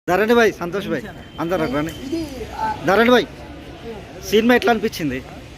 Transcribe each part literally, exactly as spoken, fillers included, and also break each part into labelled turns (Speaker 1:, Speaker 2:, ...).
Speaker 1: ధరణి భాయ్, సంతోష్ భాయ్, అందరు రండి. ధరణి భాయ్, సినిమా ఎట్లా అనిపించింది?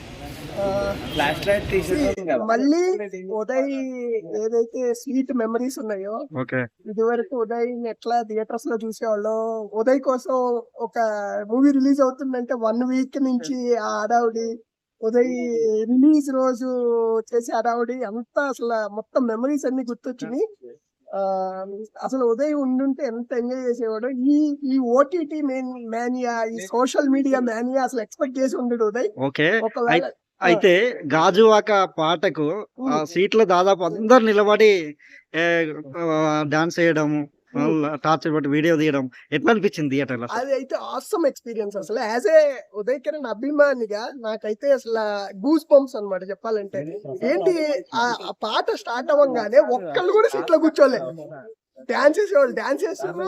Speaker 2: మళ్ళీ ఉదయ్ ఏదైతే స్వీట్ మెమరీస్ ఉన్నాయో,
Speaker 1: ఓకే,
Speaker 2: ఇదివరకు ఉదయ్ ఎట్లా థియేటర్స్ లో చూసేవాళ్ళు, ఉదయ్ కోసం ఒక మూవీ రిలీజ్ అవుతుందంటే వన్ వీక్ నుంచి ఆ హడావుడి, ఉదయ్ రిలీజ్ రోజు చేసే హడావుడి అంతా అసలు మొత్తం మెమరీస్ అన్ని గుర్తొచ్చినాయి. ఆ అసలు ఉదయ్ ఉండుంటే ఎంత ఎంజాయ్ చేసేవాడు. ఈ ఈ ఓటీటీ మేనియా, ఈ సోషల్ మీడియా మేనియా అసలు ఎక్స్పెక్ట్ చేసి ఉండడు ఉదయ్.
Speaker 1: ఓకే.
Speaker 2: ఒకవేళ
Speaker 1: అయితే గాజువాక పాటకు ఆ సీట్లో దాదాపు అందరు నిలబడి డాన్స్ చేయడము, టార్చర్ పట్టి వీడియో తీయడం ఎట్లా అనిపించింది థియేటర్ లో?
Speaker 2: అది అయితే ఆసమ్ ఎక్స్పీరియన్స్. అసలు యాజ్ ఏ ఉదయ్ కిరణ్ అభిమానిగా నాకైతే అసలు గూస్ బంప్స్ అన్నమాట చెప్పాలంటే. ఏంటి ఆ పాట స్టార్ట్ అవ్వగానే ఒక్కళ్ళు కూడా సీట్ లో కూర్చోలేదు. డాన్స్ చేసేవాళ్ళు డాన్స్ చేస్తారు,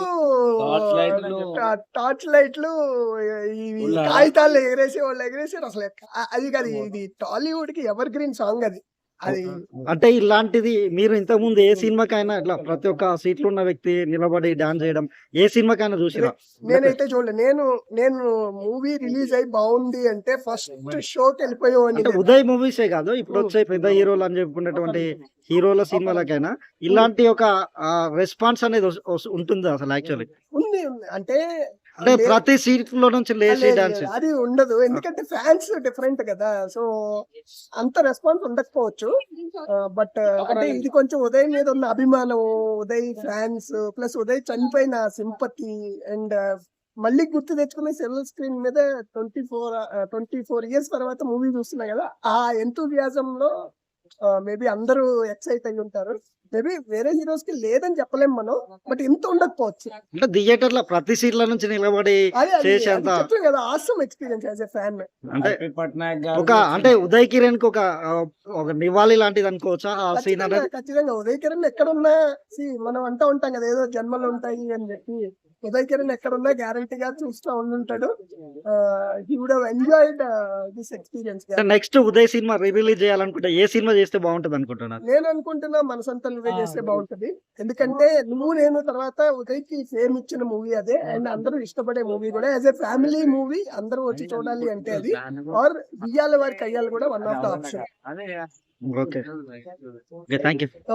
Speaker 2: టార్చ్ లైట్లు, ఈ కాగితాలు ఎగరేసే వాళ్ళు ఎగరేసారు. అసలు అది కాదు, ఇది టాలీవుడ్ కి ఎవర్ గ్రీన్ సాంగ్ అది. అది
Speaker 1: అంటే ఇలాంటిది మీరు ఇంతకు ముందు ఏ సినిమాకైనా ఇట్లా ప్రతి ఒక్క సీట్లో ఉన్న వ్యక్తి నిలబడి డాన్స్ చేయడం ఏ సినిమాకైనా చూసిరా?
Speaker 2: నేనైతే చూడలేదు. నేను నేను మూవీ రిలీజ్ అయి బాగుంది అంటే ఫస్ట్ షోకి వెళ్ళిపోయేవాడిని.
Speaker 1: అంటే ఉదయ్ మూవీసే కాదు, ఇప్పుడు వచ్చే పెద్ద హీరోలు అని చెప్పుకున్నటువంటి హీరోల సినిమాలకైనా ఇలాంటి ఒక రెస్పాన్స్ అనేది ఉంటుంది అసలు యాక్చువల్లీ?
Speaker 2: ఉంది ఉంది అంటే
Speaker 1: అంటే ప్రతి సీట్ లో నుంచి లేచి డాన్స్
Speaker 2: అది ఉండదు, ఎందుకంటే ఫ్యాన్స్ డిఫరెంట్ కదా. సో అంత రెస్పాన్స్ ఉండకపోవచ్చు. బట్ అంటే ఇది కొంచెం ఉదయ్ మీద ఉన్న అభిమానం, ఉదయ్ ఫ్యాన్స్ ప్లస్ ఉదయ్ చనిపోయిన సింపతి అండ్ మళ్ళీ గుర్తు తెచ్చుకునే సిల్వర్ స్క్రీన్ మీద twenty four twenty four years తర్వాత మూవీ చూస్తున్నాయి కదా, ఆ ఎంతూజియాజం లో మేబీ అందరూ ఎక్సైట్ అయి ఉంటారు. మేబీ వేరే హీరోస్ కి లేదని చెప్పలేం మనం, బట్ ఇంత ఉండకపోవచ్చు.
Speaker 1: అంటే థియేటర్ లో ప్రతి సీట్ల నుంచి నిలబడి చేసేంత
Speaker 2: కదా awesome experience as a fan.
Speaker 1: అంటే ఒక అంటే ఉదయ్ కిరణ్ కి ఒక ఒక నివాళి లాంటిది అనుకోవచ్చా ఆ సీన్?
Speaker 2: ఖచ్చితంగా ఉదయ్ కిరణ్ ఎక్కడున్నా మనం అంటూ ఉంటాం కదా ఏదో జన్మలు ఉంటాయి అని చెప్పి. ఉదయ్ కిరణ్ ఎక్కడున్నా గ్యారంటీగా చూస్తూ ఉండుంటాడు. He would have enjoyed this experience.
Speaker 1: Next Uday సినిమా రిలీజ్ చేయాలనుకుంటే ఏ సినిమా చేస్తే బాగుంటది అనుకుంటున్నారు?
Speaker 2: నేను అనుకుంటున్నా మనసంతా నువ్వే చేస్తే బాగుంటది. ఎందుకంటే నువ్వు నేను తర్వాత ఉదయ్ కి ఫేమ్ ఇచ్చిన మూవీ అదే, అండ్ అందరూ ఇష్టపడే మూవీ కూడా. యాజ్ ఎ ఫ్యామిలీ మూవీ అందరూ వచ్చి చూడాలి అంటే అది, ఆర్ బియ్యాల వారి కయ్యాలు కూడా one of the option.
Speaker 1: Okay, thank you.